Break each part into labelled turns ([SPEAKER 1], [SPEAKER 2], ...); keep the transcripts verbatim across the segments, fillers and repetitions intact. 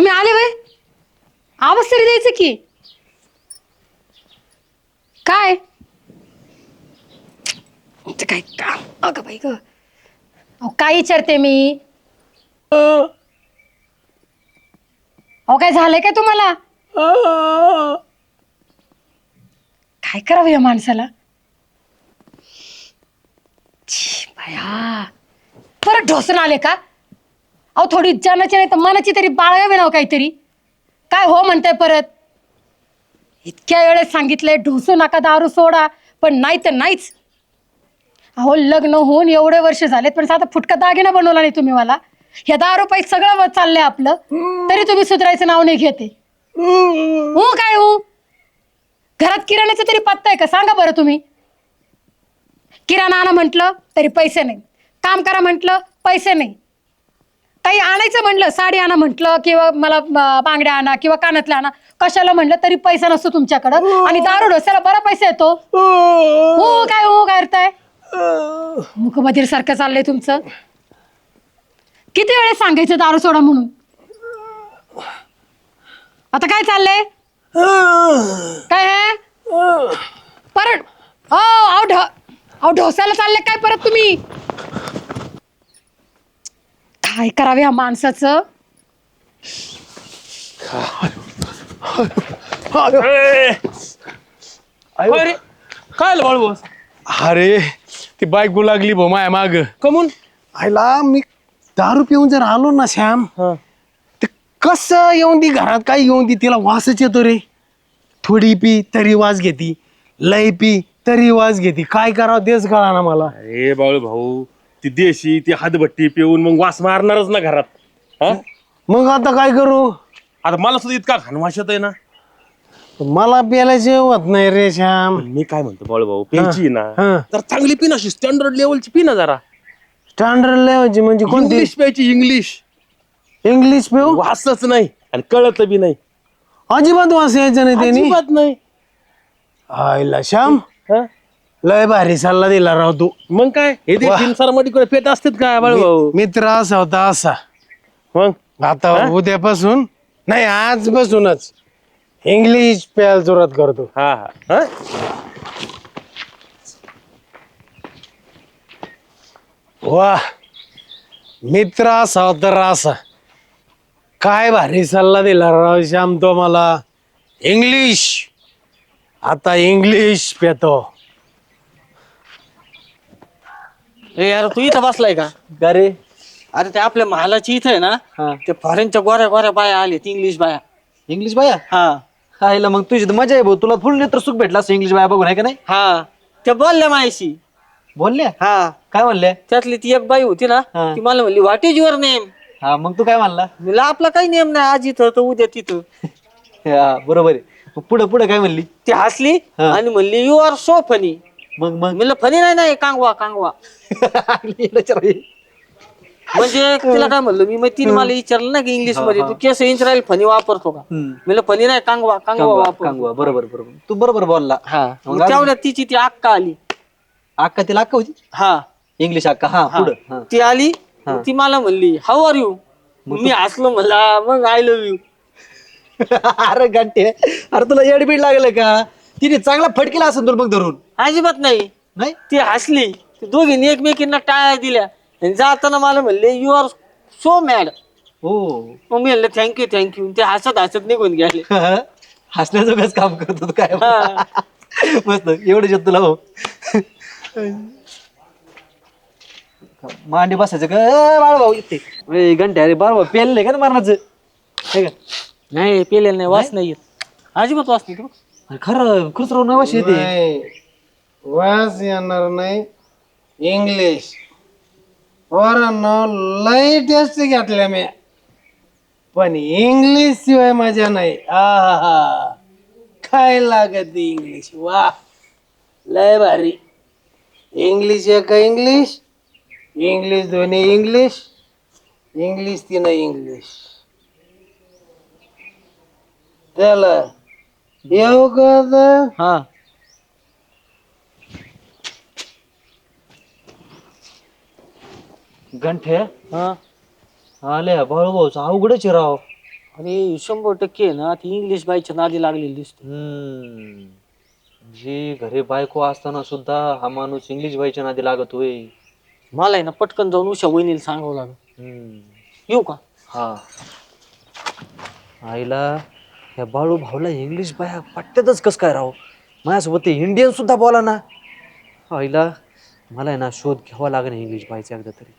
[SPEAKER 1] तुम्ही आले वय आवाज तरी द्यायचं की काय ते काय का अगं बाई ग अहो काय विचारते मी अहो काय झालंय काय तुम्हाला काय करावं या माणसाला छी, बाया परत ढोसून आले का अहो थोडी जनाची नाही तर मनाची तरी बाळगावी नाव काहीतरी काय हो म्हणताय परत इतक्या वेळेस सांगितलंय ढोसू नका दारू सोडा पण नाही तर नाहीच अहो लग्न होऊन एवढे वर्ष झालेत पण साधा फुटका दागिना बनवला नाही तुम्ही मला ह्या दारू पायी सगळं चाललंय आपलं तरी तुम्ही सुधारायचं नाव नाही घेते हो काय हो घरात किराण्याचा तरी पत्ता आहे का सांगा बरं तुम्ही किराणा आणा म्हटलं तरी पैसे नाही काम करा म्हटलं पैसे नाही काही आणायचं म्हटलं साडी आणा म्हटलं किंवा मला बांगड्या आणा किंवा कानातल्या आणा कशाला म्हटलं तरी पैसा नसतो तुमच्याकडं आणि दारू ढोस्याला बरा पैसा येतो हो काय हो काय करताय मुखबधीर सारखं चाललंय तुमचं किती वेळेस सांगायचं दारू सोडा म्हणून आता काय चाललंय काय आहे परत हो अहो ढ अहो ढोसायला चालले काय परत तुम्ही काय करावे ह्या माणसाचं
[SPEAKER 2] अरे काय बाळू
[SPEAKER 3] अरे ती बायको लागली भो माया माग
[SPEAKER 2] कमून
[SPEAKER 3] आईला मी दारू पिऊन जर आलो ना श्याम ते कसं येऊन ती घरात काय येऊन ती तिला वासच येतो रे थोडी पी तरी वास घेती लय पी तरी वास घेती काय करावं तेच कळा ना मला
[SPEAKER 2] अरे बाळू भाऊ ती देशी ती हातभट्टी पिऊन मग वास मारणारच ना घरात हा
[SPEAKER 3] मग आता काय करू
[SPEAKER 2] आता मला सुद्धा इतका घाण वास येतोय ना
[SPEAKER 3] मला प्यायला जेवत नाही रे श्याम
[SPEAKER 2] पण मी काय म्हणतो बाळू भाऊ प्यायची ना
[SPEAKER 3] हा.
[SPEAKER 2] तर चांगली पी ना स्टँडर्ड लेवलची पी ना जरा
[SPEAKER 3] स्टँडर्ड लेवलची म्हणजे कोणती
[SPEAKER 2] इंग्लिश प्यायची इंग्लिश
[SPEAKER 3] इंग्लिश पिऊ
[SPEAKER 2] वासच नाही आणि कळत बी नाही
[SPEAKER 3] अजिबात वास यायचा नाही त्यांनी
[SPEAKER 2] अजिबात नाही
[SPEAKER 3] आईला श्याम
[SPEAKER 2] हा?
[SPEAKER 3] लय भारी सल्ला दिला राव तू
[SPEAKER 2] मग काय हे ते
[SPEAKER 3] वाह.
[SPEAKER 2] फिल्मसार मध्ये पेट असतात का बाळू भाऊ
[SPEAKER 3] मित्र असा होता असा
[SPEAKER 2] मग
[SPEAKER 3] आता
[SPEAKER 2] हा?
[SPEAKER 3] उद्यापासून नाही आजपासूनच इंग्लिश प्यायला सुरुवात करतो
[SPEAKER 2] हा हा हा?
[SPEAKER 3] वा मित्र असा होता असा काय भारी सल्ला दिला राव श्याम तो मला इंग्लिश आता इंग्लिश पेतो
[SPEAKER 4] ए यार तू इथं बसलाय का
[SPEAKER 3] अरे
[SPEAKER 4] अरे ते आपल्या महालाची इथं आहे ना ते फॉरेनच्या गोऱ्या गोऱ्या बाया आले इंग्लिश बाया
[SPEAKER 5] इंग्लिश बाया
[SPEAKER 4] हा
[SPEAKER 5] हायला मग तुझी तर मजा आहे भाऊ तुला फुल नेत्र सुख भेटला असं इंग्लिश बाया बघून आहे का नाही
[SPEAKER 4] हा त्या बोलल्या मायाशी
[SPEAKER 5] बोलले
[SPEAKER 4] हा
[SPEAKER 5] काय म्हणले
[SPEAKER 4] त्यातली ती एक बाई होती ना
[SPEAKER 5] हा.
[SPEAKER 4] ती मला म्हणली व्हॉट इज युअर नेम
[SPEAKER 5] हा मग तू काय म्हणला
[SPEAKER 4] मला आपला काही नेम नाही आज इथं तर उद्या तिथं
[SPEAKER 5] हा, बरोबर आहे मग पुढे पुढे काय म्हणली
[SPEAKER 4] ती हसली
[SPEAKER 5] हा.
[SPEAKER 4] आणि म्हणली यू आर सो फनी
[SPEAKER 5] मग मग
[SPEAKER 4] म्हणलं फनी नाही नाही कांगवा कांगवा म्हणजे तिला काय म्हणलं मी मग तिने मला विचारलं ना की इंग्लिश मध्ये तू केस इंच राहील फनी वापरतो का म्हणलं फनी नाही कांगवा कांगवा वापर
[SPEAKER 5] कांगवा बरोबर बरोबर तू बरोबर बोलला
[SPEAKER 4] हा
[SPEAKER 5] मग
[SPEAKER 4] मग तेवढ्यात तिची ती अक्का आली
[SPEAKER 5] अक्का तिला अक्का होती
[SPEAKER 4] हा
[SPEAKER 5] इंग्लिश अक्का हा
[SPEAKER 4] हा.
[SPEAKER 5] पुढं
[SPEAKER 4] ती आली मग ती मला म्हणली हाऊ आर यू मी हसलो म्हणला मग आय लव्ह यू
[SPEAKER 5] अरे घंटे अरे तुला एडबीड लागलं का तिने चांगला फटकेला असेल तुला मग धरून
[SPEAKER 4] अजिबात नाही
[SPEAKER 5] नाही
[SPEAKER 4] ती हसली ती दोघींनी एकमेकींना टाळ्या दिल्या आणि जाताना मला म्हणले यू आर सो मॅड
[SPEAKER 5] हो
[SPEAKER 4] मग मी म्हणलं थँक्यू थँक्यू ते हसत हसत निघून गेले
[SPEAKER 5] हसण्याचं काम करतो तू काय
[SPEAKER 4] हा.
[SPEAKER 5] मस्त एवढं येत तुला भाऊ मांडी बसायचं का ए, बाळ भाऊ येते घंटे अरे बाळ भाऊ पेलले का ना मरणाचं हे का
[SPEAKER 4] नाही पेलेलं नाही वास नाही येत अजिबात वास नाही
[SPEAKER 5] अरे खरं खुसरो नवशी येते
[SPEAKER 3] नाही वास येणार नाही इंग्लिश पोरांनो लय टेस्ट घेतल्या मी पण इंग्लिश शिवाय मजा नाही आहा काय लागत इंग्लिश वा लय भारी इंग्लिश एक इंग्लिश इंग्लिश दोन्ही इंग्लिश इंग्लिश तीन इंग्लिश त्याला येऊ का आता?
[SPEAKER 4] हा
[SPEAKER 5] घंटे
[SPEAKER 4] हा
[SPEAKER 5] आले बाळू भाऊचा अवघडच आहे राव
[SPEAKER 4] अरे शंभर टक्के आहे ना ती इंग्लिश बाईच्या नादी लागलेली दिसते.
[SPEAKER 5] हम्म. जी घरी बायको असताना सुद्धा हा माणूस इंग्लिश बाईच्या नादी लागत होय.
[SPEAKER 4] मला आहे ना पटकन जाऊन उषा वहिनीला सांगावं लागेल.
[SPEAKER 5] हम्म.
[SPEAKER 4] येऊ का?
[SPEAKER 5] हा आईला या बाळू भाऊला इंग्लिश बाया पट्ट्यातच कस काय राव. माझ्यासोबत ते इंडियन सुद्धा बोला ना. आईला मला आहे ना शोध घ्यावा लागेल इंग्लिश बायचा एकदा तरी.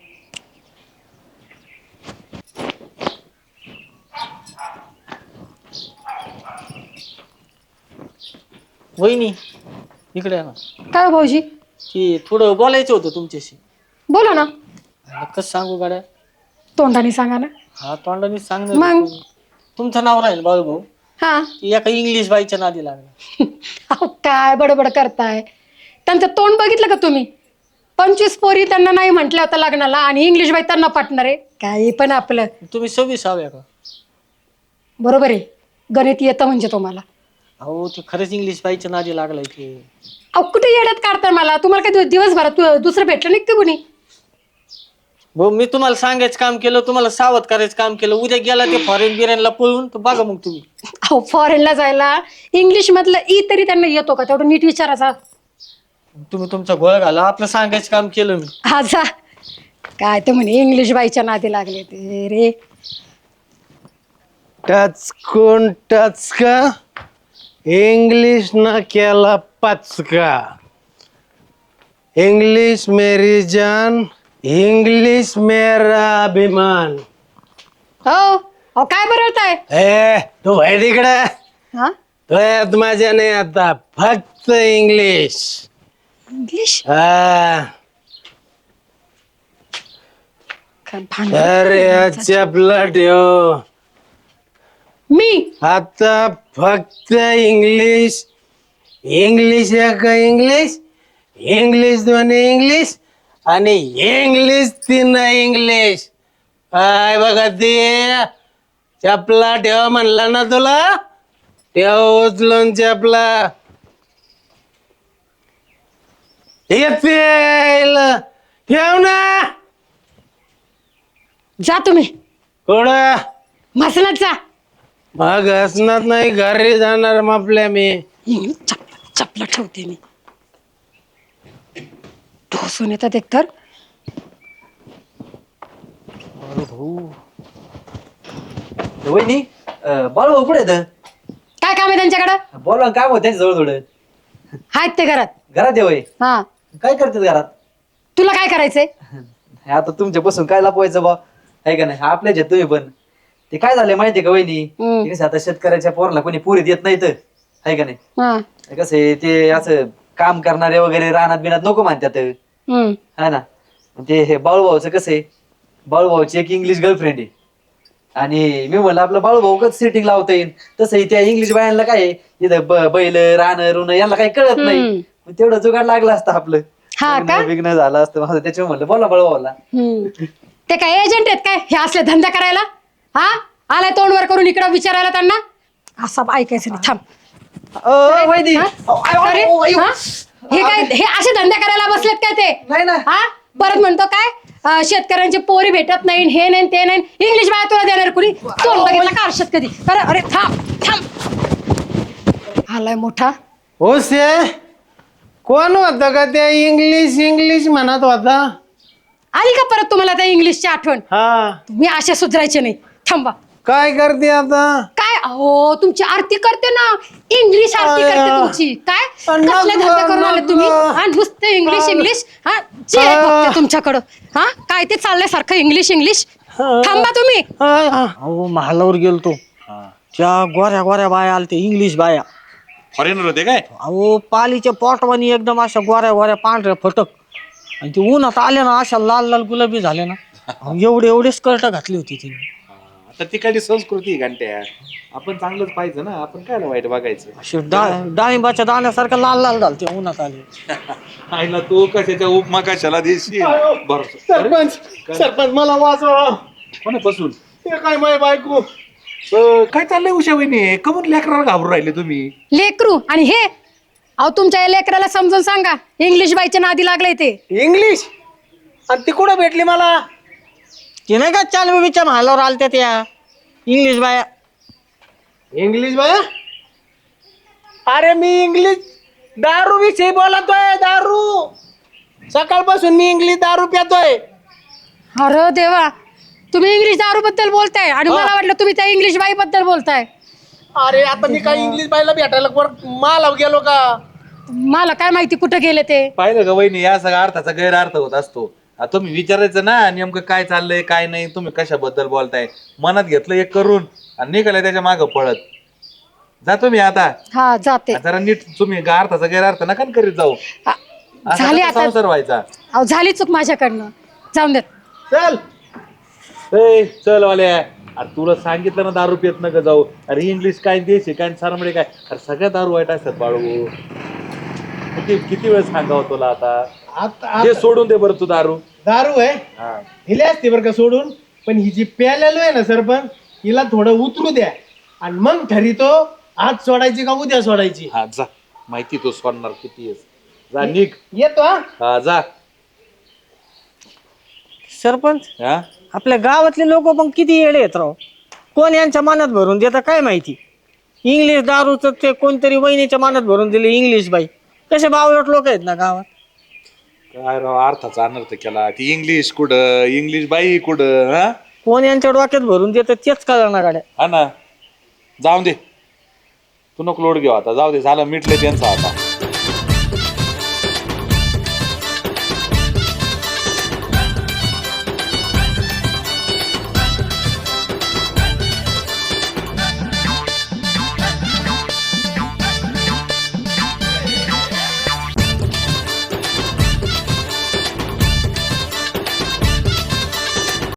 [SPEAKER 4] वहिनी इकडे आहे ना.
[SPEAKER 1] काय हो भाऊजी?
[SPEAKER 4] की थोडं बोलायचं होतं तुमच्याशी.
[SPEAKER 1] बोला ना.
[SPEAKER 4] कसं सांगू गाड्या?
[SPEAKER 1] तोंडाने सांगा ना.
[SPEAKER 4] हा तोंडाने सांगणार
[SPEAKER 1] मग?
[SPEAKER 4] होतो. तुमचं नाव राहील बाळू भाऊ.
[SPEAKER 1] हा.
[SPEAKER 4] की एका इंग्लिश बाईच्या नादी लागला.
[SPEAKER 1] अहो काय बडबड करताय? त्यांचं तोंड बघितलं का तुम्ही? पंचवीस पोरी त्यांना नाही म्हटल्या होत्या लग्नाला आणि इंग्लिश बाई त्यांना पाठणार आहे. काही पण आपलं.
[SPEAKER 4] तुम्ही सव्वीस हव्या का?
[SPEAKER 1] बरोबर आहे. गणित येतं म्हणजे तुम्हाला.
[SPEAKER 4] अहो ते खरंच इंग्लिश बाईच्या नादी लागलाय की.
[SPEAKER 1] अहो कुठे येड्यात काढताय मला? तुम्हाला काय दिवसभरात तु- दुसरं भेटलं नाही का कुणी?
[SPEAKER 4] भाऊ मी तुम्हाला सांगायचं काम केलं, तुम्हाला सावध करायचं काम केलं. उद्या गेला ते फॉरेन बिरेनला पळून तर बघा मग तुम्ही.
[SPEAKER 1] अहो फॉरेनला जायला इंग्लिश मधलं ई तरी त्यांना येतो का? तेवढं नीट विचारायचा.
[SPEAKER 4] तुम्ही तुमचा गोळ घाला. आपलं सांगायचं काम केलं मी.
[SPEAKER 1] हा जा. काय ते म्हणे इंग्लिश बाईच्या नादी लागले ते रे.
[SPEAKER 3] टच कोण टच का इंग्लिश ना केला पचका. इंग्लिश मेरी जान, इंग्लिश मेरा अभिमान.
[SPEAKER 1] हो अहो काय बरवताय?
[SPEAKER 3] ए तू भाई तिकडे.
[SPEAKER 1] हा
[SPEAKER 3] तो यात माझ्या नाही आता फक्त इंग्लिश.
[SPEAKER 1] इंग्लिश?
[SPEAKER 3] हा.
[SPEAKER 1] काय भांडण?
[SPEAKER 3] अरे चपला ठेव.
[SPEAKER 1] मी
[SPEAKER 3] आता फक्त इंग्लिश. इंग्लिश एक इंग्लिश, इंग्लिश दोन इंग्लिश आणि इंग्लिश तीन इंग्लिश. काय बघा ते चपला ठेव म्हणला ना तुला. ठेव उचलून चपला. येते ठेव ना.
[SPEAKER 1] जा तुम्ही
[SPEAKER 3] कुठं?
[SPEAKER 1] मसनात जा.
[SPEAKER 3] मग असणार नाही घरी जाणार आपल्या मी.
[SPEAKER 1] इंग्लिश चपला चपला ठेवते मी. ढोसून येतात एकतर.
[SPEAKER 5] वहिनी अं, बाळू भाऊ कुठे येतं?
[SPEAKER 1] काय काम आहे त्यांच्याकडं?
[SPEAKER 5] बोला ना, काय होत त्यांच्या जवळ थोडं.
[SPEAKER 1] आहेत ते घरात.
[SPEAKER 5] घरात ये वय.
[SPEAKER 1] हा.
[SPEAKER 5] काय करतात घरात?
[SPEAKER 1] तुला काय करायचंय?
[SPEAKER 5] आता तुमच्यापासून काय लपवायचं बा आहे का नाही. आपल्याच आहेत तुम्ही पण. ते काय झालंय माहितीये का वहिनी?
[SPEAKER 1] हम्म.
[SPEAKER 5] ते कसं आता शेतकऱ्याच्या पोराला कोणी पुरी देत नाही तर आहे का नाही.
[SPEAKER 1] हा.
[SPEAKER 5] ते कसं आहे, ते असं काम करणारे वगैरे रानात बिनात नको म्हणतात
[SPEAKER 1] हम्म.
[SPEAKER 5] है ना. ते हे बाळूभाऊचं कसं आहे, बाळूभाऊची एक इंग्लिश गर्लफ्रेंड आहे आणि मी म्हणलं आपलं बाळूभाऊ कसं सेटिंग लावता येईल. तसंही त्या इंग्लिश बायांना काय आहे, इथं ब- बैल रान रुन यांना काही कळत
[SPEAKER 1] हम्म.
[SPEAKER 5] नाही. मग तेवढं जुगाड लागलं असतं आपलं.
[SPEAKER 1] हा का?
[SPEAKER 5] विघ्न झालं असतं माझं. त्याच्यामुळे म्हणलं बोला बाळूभाऊला.
[SPEAKER 1] हम्म. ते काय एजंट आहेत काय हे असले धंदा करायला? हा आलाय तोंडवर करून इकडं विचारायला त्यांना. असं ऐकायचं नाही. थांब.
[SPEAKER 5] अ, वहिनी.
[SPEAKER 1] हा? अरे, हा? हे काय हे असे धंदे करायला बसलेत काय ते?
[SPEAKER 5] नाही ना.
[SPEAKER 1] हा परत म्हणतो काय अं, शेतकऱ्यांची पोरी भेटत नाही हे नाही ते नाही. इंग्लिश बाया तुला देणार कुणी? तोंड बघितलं का आरशात कधी? अरे अरे थांब थांब. आलाय मोठा.
[SPEAKER 3] हो से कोण होता का त्या इंग्लिश इंग्लिश म्हणत होता?
[SPEAKER 1] आली का परत तुम्हाला त्या इंग्लिशची आठवण?
[SPEAKER 3] हा.
[SPEAKER 1] तुम्ही असे सुधरायचे नाही. थांबा.
[SPEAKER 3] काय करते आता?
[SPEAKER 1] काय अहो तुमची आरती करते ना. इंग्लिश आरती करते
[SPEAKER 3] अय्या.
[SPEAKER 1] तुमची. काय
[SPEAKER 3] अन
[SPEAKER 1] कसले
[SPEAKER 3] नको,
[SPEAKER 1] धंदे करून आले तुम्ही?
[SPEAKER 3] नको.
[SPEAKER 1] हा नुसते इंग्लिश इंग्लिश. हा जे
[SPEAKER 3] हा.
[SPEAKER 1] बघते तुमच्याकडं. हा काय ते चाललंय सारखं इंग्लिश इंग्लिश. थांबा तुम्ही.
[SPEAKER 3] हा, हा.
[SPEAKER 4] अहो महालावर गेलतो. त्या गोऱ्या गोऱ्या बाया आलते इंग्लिश बाया.
[SPEAKER 2] फॉरेनर होते काय?
[SPEAKER 4] अहो पालीच्या पोटवानी एकदम अशा गोऱ्या गोऱ्या पांढऱ्या फटक. आणि ते उन्हात आले ना अशा लाल लाल गुलाबी झाले ना. अहो, एवढे एवढे स्कर्ट घातली होती तिने.
[SPEAKER 2] आता तिकडली संस्कृती घंट्या. आपण चांगलंच पाहिजे ना. आपण काय वाईट बघायचं.
[SPEAKER 4] अशी डा- डाळिंबाच्या दाण्यासारखं लाल लाल झालते उन्हात आले.
[SPEAKER 2] आईला तू कशाच्या उपमा कशाला देशील? बरं
[SPEAKER 3] सरपंच सरपंच मला वाचवा.
[SPEAKER 2] कोणापासून?
[SPEAKER 3] हे काय माय बायको.
[SPEAKER 2] अं, काय चाललंय उषा वहिनी? कमून लेकराला घाबरून राहिले तुम्ही?
[SPEAKER 1] लेकरू आणि हे अहो तुमच्या या लेकराला समजून सांगा इंग्लिश बाईच्या नादी लागलंय ते.
[SPEAKER 3] इंग्लिश आणि ती कुठं भेटली मला?
[SPEAKER 4] ते नाही का चालवीच्या महालावर आलत्या त्या. इंग्लिश बाया.
[SPEAKER 3] इंग्लिश बाया? अरे मी इंग्लिश दारू विषयी बोलतोय. दारू सकाळपासून मी इंग्लिश दारू पितोय.
[SPEAKER 1] अरे देवा, तुम्ही इंग्लिश दारू बद्दल बोलताय आणि मला वाटलं तुम्ही त्या इंग्लिश बाई बद्दल बोलताय.
[SPEAKER 3] अरे आता मी काय इंग्लिश बाईला भेटायला वर माला गेलो का?
[SPEAKER 1] मला काय माहिती कुठं गेले ते.
[SPEAKER 6] पाहिलं का वहिनी, या सगळ्या अर्थाचा गैरअर्थ होत असतो. आता तुम्ही विचारायचं ना नेमकं काय चाललंय काय नाही, तुम्ही कशाबद्दल बोलताय. मनात घेतलं एक करून आणि निघालं त्याच्या मागं पळत. जातो मी आता.
[SPEAKER 1] हा जाते.
[SPEAKER 6] जरा नीट तुम्ही गा- अर्थाचा गैरअर्थ नका ना करीत जाऊ.
[SPEAKER 1] आ,
[SPEAKER 6] असा
[SPEAKER 1] झाली
[SPEAKER 6] कसा
[SPEAKER 1] आता.
[SPEAKER 6] संसार व्हायचा.
[SPEAKER 1] अहो झाली चूक माझ्याकडनं, जाऊन देत.
[SPEAKER 3] चल
[SPEAKER 6] ए चल वाल्या, अरे तुला सांगितलं ना दारू पित नका जाऊ. अरे इंग्लिश काय देशी काय सारमडे काय, अरे सगळ्या दारू वाईट असतात बाळू. किती किती वेळ सांगावं तुला आता.
[SPEAKER 3] आता
[SPEAKER 6] हे सोडून दे बरं तू दारू.
[SPEAKER 3] दारू आहे
[SPEAKER 6] हा.
[SPEAKER 3] हिला असते बरं का सोडून, पण ही जी प्यालेलो आहे ना सरपंच, हिला थोडं उतरू द्या आणि मग ठरितो आज सोडायची का उद्या सोडायची.
[SPEAKER 6] हा जा, माहिती तू सोडणार किती आहेस. जा निघ.
[SPEAKER 3] येतो हा.
[SPEAKER 6] हा जा.
[SPEAKER 4] सरपंच,
[SPEAKER 6] हा
[SPEAKER 4] आपल्या गावातले लोक पण किती येडे आहेत राव. कोण यांच्या मनात भरून देतं काय माहिती. इंग्लिश दारूचं ते कोणतरी वहिनीच्या मनात भरून दिले इंग्लिश बाई. कसे बावळट लोक आहेत ना गावात.
[SPEAKER 6] काय राव अर्थाचा अनर्थ केला. ती इंग्लिश कुठं, इंग्लिश बाई कुठं. हा
[SPEAKER 4] कोण यांच्या डोक्यात भरून देतं तेच कळणार गाड्या.
[SPEAKER 6] हा ना, जाऊ दे तू नको लोड घेऊ आता. जाऊ दे, झालं मिटलं त्यांचं आता.